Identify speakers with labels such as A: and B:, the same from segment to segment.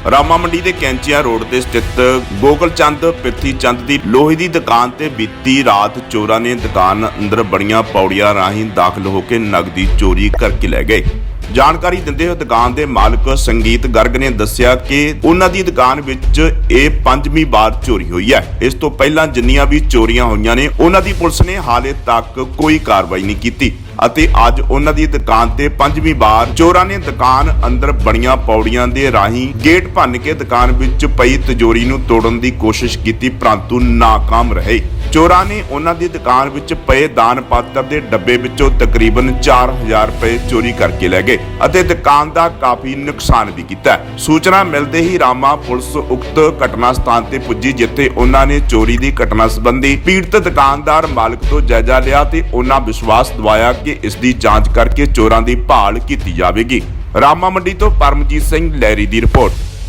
A: ਰਾਮਾ ਮੰਡੀ ਦੇ ਕੈਂਚੀਆਂ ਰੋਡ ਤੇ ਸਥਿਤ ਗੋਕਲ ਚੰਦ ਪਿਰਥੀ ਚੰਦ ਦੀ ਲੋਹੇ ਦੀ ਦੁਕਾਨ ਤੇ ਬੀਤੀ ਰਾਤ ਚੋਰਾਂ ਨੇ ਦੁਕਾਨ ਅੰਦਰ ਬੜੀਆਂ ਪੌੜੀਆਂ ਰਾਹੀਂ ਦਾਖਲ ਹੋ ਕੇ ਨਗਦੀ ਚੋਰੀ ਕਰਕੇ ਲੈ ਗਏ। ਜਾਣਕਾਰੀ ਦਿੰਦੇ ਹੋਏ ਦੁਕਾਨ ਦੇ ਮਾਲਕ ਸੰਗੀਤ ਗਰਗ ਨੇ ਦੱਸਿਆ ਕਿ ਉਹਨਾਂ ਦੀ ਦੁਕਾਨ ਵਿੱਚ ਇਹ 5ਵੀਂ ਵਾਰ ਚੋਰੀ ਹੋਈ ਹੈ। ਇਸ ਤੋਂ ਪਹਿਲਾਂ ਜਿੰਨੀਆਂ ਵੀ ਚੋਰੀਆਂ ਹੋਈਆਂ ਨੇ ਉਹਨਾਂ ਦੀ ਪੁਲਿਸ ਨੇ ਹਾਲੇ ਤੱਕ ਕੋਈ ਕਾਰਵਾਈ ਨਹੀਂ ਕੀਤੀ ਅਤੇ ਅੱਜ ਉਹਨਾਂ ਦੀ ਦੁਕਾਨ ਤੇ 5ਵੀਂ ਵਾਰ ਚੋਰਾਂ ਨੇ ਦੁਕਾਨ ਅੰਦਰ ਬਣੀਆਂ ਪੌੜੀਆਂ ਦੇ ਰਾਹੀਂ ਗੇਟ ਭੰਨ ਕੇ ਦੁਕਾਨ ਵਿੱਚ ਪਈ ਤਿਜੋਰੀ ਨੂੰ ਤੋੜਨ ਦੀ ਕੋਸ਼ਿਸ਼ ਕੀਤੀ, ਪਰੰਤੂ ਨਾਕਾਮ ਰਹੇ। ਚੋਰਾਂ ਨੇ ਉਹਨਾਂ ਦੀ ਦੁਕਾਨ ਵਿੱਚ ਪਏ ਦਾਨ ਪਾਤਰ ਦੇ ਡੱਬੇ ਵਿੱਚੋਂ ਤਕਰੀਬਨ 4000 ਰੁਪਏ ਚੋਰੀ ਕਰਕੇ ਲੈ ਗਏ ਅਤੇ ਦੁਕਾਨ ਦਾ ਕਾਫੀ ਨੁਕਸਾਨ ਵੀ ਕੀਤਾ। ਸੂਚਨਾ ਮਿਲਦੇ ਹੀ ਰਾਮਾ ਪੁਲਿਸ ਉਕਤ ਘਟਨਾ ਸਥਾਨ ਤੇ ਪੁੱਜੀ, ਜਿੱਥੇ ਉਹਨਾਂ ਨੇ ਚੋਰੀ ਦੀ ਘਟਨਾ ਸੰਬੰਧੀ ਪੀੜਤ ਦੁਕਾਨਦਾਰ ਮਾਲਕ ਤੋਂ ਜਾਇਜ਼ਾ ਲਿਆ ਤੇ ਉਹਨਾਂ ਵਿਸ਼ਵਾਸ ਦਿਵਾਇਆ ਕਿ ਇਸ ਦੀ ਜਾਂਚ ਕਰਕੇ ਚੋਰਾਂ ਦੀ ਭਾਲ ਕੀਤੀ ਜਾਵੇਗੀ। ਰਾਮਾ ਮੰਡੀ ਤੋਂ ਪਰਮਜੀਤ ਸਿੰਘ ਲਹਿਰੀ ਦੀ ਰਿਪੋਰਟ।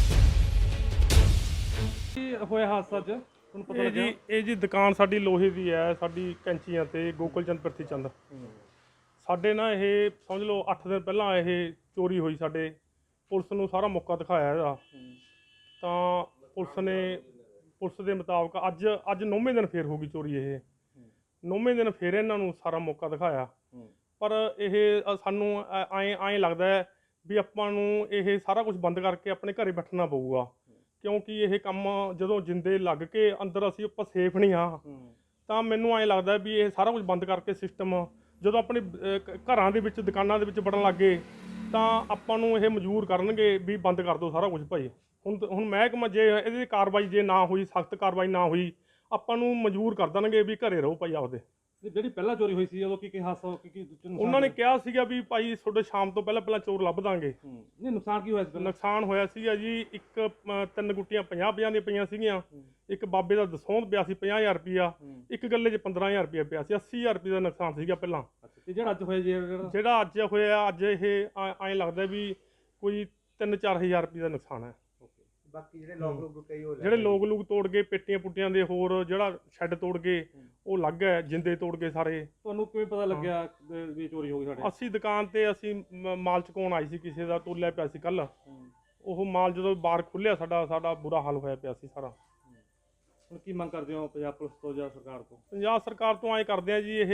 B: ਹੋਇਆ ਹਾਦਸਾ ਚ ਤੁਹਾਨੂੰ ਪਤਾ ਲੱਗਿਆ ਇਹ ਜੀ ਦੁਕਾਨ ਸਾਡੀ ਲੋਹੇ ਦੀ ਹੈ, ਸਾਡੀ ਕੈਂਚੀਆਂ ਤੇ ਗੋਕਲ ਚੰਦ ਪਿਰਥੀ ਚੰਦ। ਸਾਡੇ ਨਾ ਇਹ ਸਮਝ ਲਓ 8 ਦਿਨ ਪਹਿਲਾਂ ਇਹ ਚੋਰੀ ਹੋਈ। ਸਾਡੇ ਪੁਲਿਸ ਨੂੰ ਸਾਰਾ ਮੌਕਾ ਦਿਖਾਇਆ ਇਹਦਾ, ਤਾਂ ਪੁਲਿਸ ਦੇ ਮੁਤਾਬਕ ਅੱਜ 9ਵੇਂ ਦਿਨ ਫੇਰ ਹੋ ਗਈ ਚੋਰੀ। ਇਹ 9ਵੇਂ ਦਿਨ ਫੇਰ ਇਹਨਾਂ ਨੂੰ ਸਾਰਾ ਮੌਕਾ ਦਿਖਾਇਆ, ਪਰ ਇਹ ਸਾਨੂੰ ਐਂ ਲੱਗਦਾ ਹੈ ਵੀ ਆਪਾਂ ਨੂੰ ਇਹ ਸਾਰਾ ਕੁਝ ਬੰਦ ਕਰਕੇ ਆਪਣੇ ਘਰੇ ਬੈਠਣਾ ਪਊਗਾ, ਕਿਉਂਕਿ ਇਹ ਕੰਮ ਜਦੋਂ ਜਿੰਦੇ ਲੱਗ ਕੇ ਅੰਦਰ ਆਪਾਂ ਸੇਫ ਨਹੀਂ ਹਾਂ। ਤਾਂ ਮੈਨੂੰ ਐਂ ਲੱਗਦਾ ਵੀ ਇਹ ਸਾਰਾ ਕੁਝ ਬੰਦ ਕਰਕੇ ਸਿਸਟਮ ਜਦੋਂ ਆਪਣੇ ਘਰਾਂ ਦੇ ਵਿੱਚ ਦੁਕਾਨਾਂ ਦੇ ਵਿੱਚ ਵੜਨ ਲੱਗੇ ਤਾਂ ਆਪਾਂ ਨੂੰ ਇਹ ਮਜਬੂਰ ਕਰਨਗੇ ਵੀ ਬੰਦ ਕਰ ਦਿਓ ਸਾਰਾ ਕੁਝ ਭਾਈ। ਹੁਣ ਮਹਿਕਮਾ ਜੇ ਇਹਦੀ ਕਾਰਵਾਈ ਜੇ ਨਾ ਹੋਈ, ਸਖਤ ਕਾਰਵਾਈ ਨਾ ਹੋਈ, ਆਪਾਂ ਨੂੰ ਮਜਬੂਰ ਕਰ ਦੇਣਗੇ ਵੀ ਘਰੇ ਰਹੋ ਭਾਈ ਆਪਦੇ।
C: ਜਿਹੜੀ ਪਹਿਲਾਂ ਚੋਰੀ ਹੋਈ ਸੀ ਉਦੋਂ ਕੀ ਹਾਦਸਾ
B: ਉਹਨਾਂ ਨੇ ਕਿਹਾ ਸੀਗਾ ਵੀ ਭਾਈ ਤੁਹਾਡੇ ਸ਼ਾਮ ਤੋਂ ਪਹਿਲਾਂ ਚੋਰ ਲੱਭ ਦਾਂਗੇ।
C: ਨਹੀਂ, ਨੁਕਸਾਨ ਕੀ ਹੋਇਆ ਸੀ?
B: ਨੁਕਸਾਨ ਹੋਇਆ ਸੀਗਾ ਜੀ, ਇੱਕ 3 ਗੁੱਟੀਆਂ 50 ਦੀਆਂ ਪਈਆਂ ਸੀਗੀਆਂ, ਇੱਕ ਬਾਬੇ ਦਾ ਦਸੌਂਦ ਪਿਆ ਸੀ 50000 ਰੁਪਇਆ, ਇੱਕ ਗੱਲੇ 'ਚ 15000 ਰੁਪਇਆ ਪਿਆ ਸੀ। 80000 ਰੁਪਏ ਦਾ ਨੁਕਸਾਨ ਸੀਗਾ ਪਹਿਲਾਂ।
C: ਤੇ ਜਿਹੜਾ ਅੱਜ ਹੋਇਆ
B: ਜਿਹੜਾ ਅੱਜ ਹੋਇਆ, ਅੱਜ ਇਹ ਐਂ ਲੱਗਦਾ ਵੀ ਕੋਈ 3-4000 ਰੁਪਏ ਦਾ ਨੁਕਸਾਨ ਹੈ।
D: ਬਾਕੀ ਜਿਹੜੇ
B: ਲੋਕ ਤੋੜ ਗਏ, ਪੇਟੀਆਂ ਪੁੱਟੀਆਂ ਦੇ ਹੋਰ ਜਿਹੜਾ ਸ਼ੈੱਡ ਤੋੜ ਗਏ ਉਹ ਲੱਗ ਹੈ, ਜਿੰਦੇ ਤੋੜ ਗਏ ਸਾਰੇ।
C: ਤੁਹਾਨੂੰ ਕਿਵੇਂ ਪਤਾ ਲੱਗਿਆ ਵੀ ਚੋਰੀ ਹੋ ਗਈ ਸਾਡੇ?
B: ਅਸੀਂ ਦੁਕਾਨ ਤੇ ਮਾਲ ਚੁਕਾਉਣ ਆਈ ਸੀ, ਕਿਸੇ ਦਾ ਤੋਲਿਆ ਪਿਆ ਸੀ ਕੱਲ। ਉਹ ਮਾਲ ਜਦੋਂ ਬਾਹਰ ਖੁੱਲਿਆ ਸਾਡਾ ਬੁਰਾ ਹਾਲ ਹੋਇਆ ਪਿਆ ਸੀ ਸਾਰਾ।
C: ਹੁਣ ਕੀ ਮੰਗ ਕਰਦੇ ਹੋ ਪੰਜਾਬ ਪੁਲਿਸ ਤੋਂ ਜਾਂ ਸਰਕਾਰ ਤੋਂ?
B: ਪੰਜਾਬ ਸਰਕਾਰ ਤੋਂ ਐਂ ਕਰਦੇ ਆ ਜੀ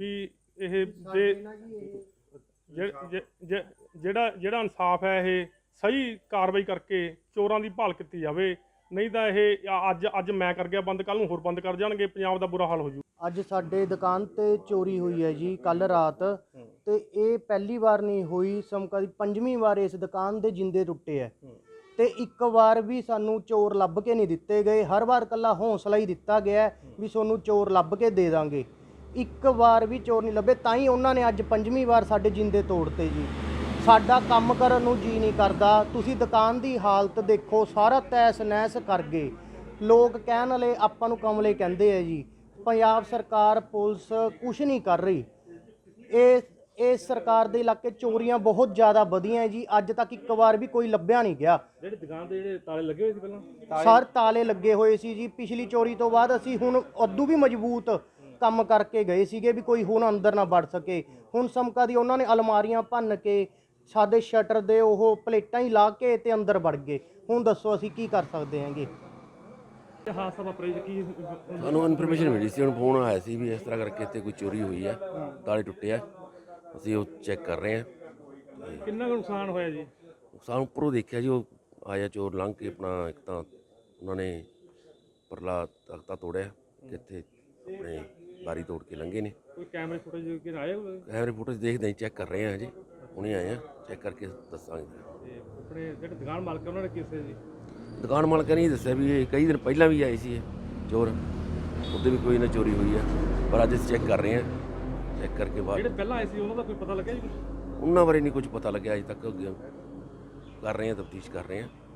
B: ਜਿਹੜਾ ਇਨਸਾਫ ਹੈ ਇਹ ਸਹੀ ਕਾਰਵਾਈ ਕਰਕੇ ਚੋਰਾਂ ਦੀ ਭਾਲ ਕੀਤੀ ਜਾਵੇ, ਨਹੀਂ ਤਾਂ ਇਹ ਅੱਜ ਮੈਂ ਕਰ ਗਿਆ ਬੰਦ, ਕੱਲ ਨੂੰ ਹੋਰ ਬੰਦ ਕਰ ਜਾਣਗੇ, ਪੰਜਾਬ ਦਾ ਬੁਰਾ ਹਾਲ ਹੋ ਜੂ।
D: ਅੱਜ ਸਾਡੇ ਦੁਕਾਨ ਤੇ ਚੋਰੀ ਹੋਈ ਹੈ ਜੀ ਕੱਲ ਰਾਤ, ਤੇ ਇਹ ਪਹਿਲੀ ਵਾਰ ਨਹੀਂ ਹੋਈ, ਸਮਕਾ ਦੀ 5ਵੀਂ ਵਾਰ ਇਸ ਦੁਕਾਨ ਦੇ ਜਿੰਦੇ ਟੁੱਟੇ ਹੈ। ਤੇ ਇੱਕ ਵਾਰ ਵੀ ਸਾਨੂੰ ਚੋਰ ਲੱਭ ਕੇ ਨਹੀਂ ਦਿੱਤੇ ਗਏ, ਹਰ ਵਾਰ ਕੱਲਾ ਹੌਸਲਾ ਹੀ ਦਿੱਤਾ ਗਿਆ ਵੀ ਤੁਹਾਨੂੰ ਚੋਰ ਲੱਭ ਕੇ ਦੇ ਦਾਂਗੇ। ਇੱਕ ਵਾਰ ਵੀ ਚੋਰ ਨਹੀਂ ਲੱਭੇ, ਤਾਂ ਹੀ ਉਹਨਾਂ ਨੇ ਅੱਜ 5ਵੀਂ ਵਾਰ ਸਾਡੇ ਜਿੰਦੇ ਤੋੜਤੇ ਜੀ। ਸਾਡਾ ਕੰਮ ਕਰਨ ਨੂੰ ਜੀ ਨਹੀਂ ਕਰਦਾ। ਤੁਸੀਂ ਦੁਕਾਨ ਦੀ ਹਾਲਤ ਦੇਖੋ, ਸਾਰਾ ਤੈਸ ਨੈਸ ਕਰ ਗਏ। ਲੋਕ ਕਹਿਣ ਵਾਲੇ ਆਪਾਂ ਨੂੰ ਕਮਲੇ ਕਹਿੰਦੇ ਆ ਜੀ। ਪੰਜਾਬ ਸਰਕਾਰ ਪੁਲਿਸ ਕੁਛ ਨਹੀਂ ਕਰ ਰਹੀ। ਇਸ ਸਰਕਾਰ ਦੇ ਇਲਾਕੇ ਚੋਰੀਆਂ ਬਹੁਤ ਜ਼ਿਆਦਾ ਵਧੀਆਂ ਜੀ। ਅੱਜ ਤੱਕ ਇੱਕ ਵਾਰ ਵੀ ਕੋਈ ਲੱਭਿਆ ਨਹੀਂ ਗਿਆ।
C: ਜਿਹੜੀ ਦੁਕਾਨ ਦੇ ਜਿਹੜੇ ਤਾਲੇ ਲੱਗੇ ਹੋਏ ਸੀ ਪਹਿਲਾਂ?
D: ਸਰ ਤਾਲੇ ਲੱਗੇ ਹੋਏ ਸੀ ਜੀ। ਪਿਛਲੀ ਚੋਰੀ ਤੋਂ ਬਾਅਦ ਅਸੀਂ ਹੁਣ ਉਦੋਂ ਵੀ ਮਜ਼ਬੂਤ ਕੰਮ ਕਰਕੇ ਗਏ ਸੀਗੇ ਵੀ ਕੋਈ ਹੁਣ ਅੰਦਰ ਨਾ ਵੜ ਸਕੇ। ਹੁਣ ਸਮਕਾ ਦੀ ਉਹਨਾਂ ਨੇ ਅਲਮਾਰੀਆਂ ਭੰਨ ਕੇ ਸਾਡੇ ਸ਼ਟਰ ਦੇ ਉਹ ਪਲੇਟਾਂ ਹੀ ਲਾ ਕੇ ਤੇ ਅੰਦਰ ਵੜ ਗਏ। ਹੁਣ ਦੱਸੋ ਅਸੀਂ ਕੀ ਕਰ ਸਕਦੇ ਹਾਂਗੇ?
C: ਹਾਦਸਾ ਵਾਪਰਿਆ ਕੀ?
E: ਸਾਨੂੰ ਇਨਫੋਰਮੇਸ਼ਨ ਮਿਲੀ ਸੀ, ਹੁਣ ਫੋਨ ਆਇਆ ਸੀ ਵੀ ਇਸ ਤਰ੍ਹਾਂ ਕਰਕੇ ਇੱਥੇ ਕੋਈ ਚੋਰੀ ਹੋਈ ਹੈ, ਤਾਲੇ ਟੁੱਟੇ ਆ। ਅਸੀਂ ਉਹ ਚੈੱਕ ਕਰ ਰਹੇ ਹਾਂ।
B: ਕਿੰਨਾ ਕੁ ਨੁਕਸਾਨ ਹੋਇਆ ਜੀ?
E: ਸਾਨੂੰ ਉੱਪਰੋਂ ਦੇਖਿਆ ਜੀ, ਉਹ ਆਇਆ ਚੋਰ ਲੰਘ ਕੇ ਆਪਣਾ, ਇੱਕ ਤਾਂ ਉਹਨਾਂ ਨੇ ਪਰਲਾ ਤਖਤਾ ਤੋੜਿਆ, ਕਿੱਥੇ ਆਪਣੇ ਬਾਰੀ ਤੋੜ ਕੇ ਲੰਘੇ ਨੇ।
B: ਕੋਈ ਕੈਮਰੇ ਫੁਟੇਜ ਕਿ ਆਇਆ?
E: ਕੈਮਰੇ ਫੁਟੇਜ ਦੇਖਦੇ ਚੈੱਕ ਕਰ ਰਹੇ ਹਾਂ ਜੀ, ਹੁਣੇ ਆਏ ਆ, ਚੈੱਕ ਕਰਕੇ ਦੱਸਾਂਗੇ।
B: ਤੇ ਆਪਣੇ ਜਿਹੜੇ ਦੁਕਾਨ ਮਾਲਕ ਉਹਨਾਂ ਨੇ ਕਿਸੇ ਜੀ
E: ਦੁਕਾਨ ਮਾਲਕਾਂ ਨੇ ਦੱਸਿਆ ਵੀ ਇਹ ਕਈ ਦਿਨ ਪਹਿਲਾਂ ਵੀ ਆਏ ਸੀ ਇਹ ਚੋਰ, ਉਹਦੇ ਵੀ ਕੋਈ ਨਾ ਚੋਰੀ ਹੋਈ ਆ, ਪਰ ਅੱਜ ਅਸੀਂ ਚੈੱਕ ਕਰ ਰਹੇ ਹਾਂ। ਚੈੱਕ ਕਰਕੇ ਬਾਅਦ
B: ਜਿਹੜੇ ਪਹਿਲਾਂ ਆਏ ਸੀ ਉਹਨਾਂ ਦਾ ਕੋਈ ਪਤਾ ਲੱਗਿਆ ਜੀ?
E: ਉਹਨਾਂ ਬਾਰੇ ਨਹੀਂ ਕੁਝ ਪਤਾ ਲੱਗਿਆ ਅਜੇ ਤੱਕ। ਕਰ ਰਹੇ ਹਾਂ, ਤਫਤੀਸ਼ ਕਰ ਰਹੇ ਹਾਂ।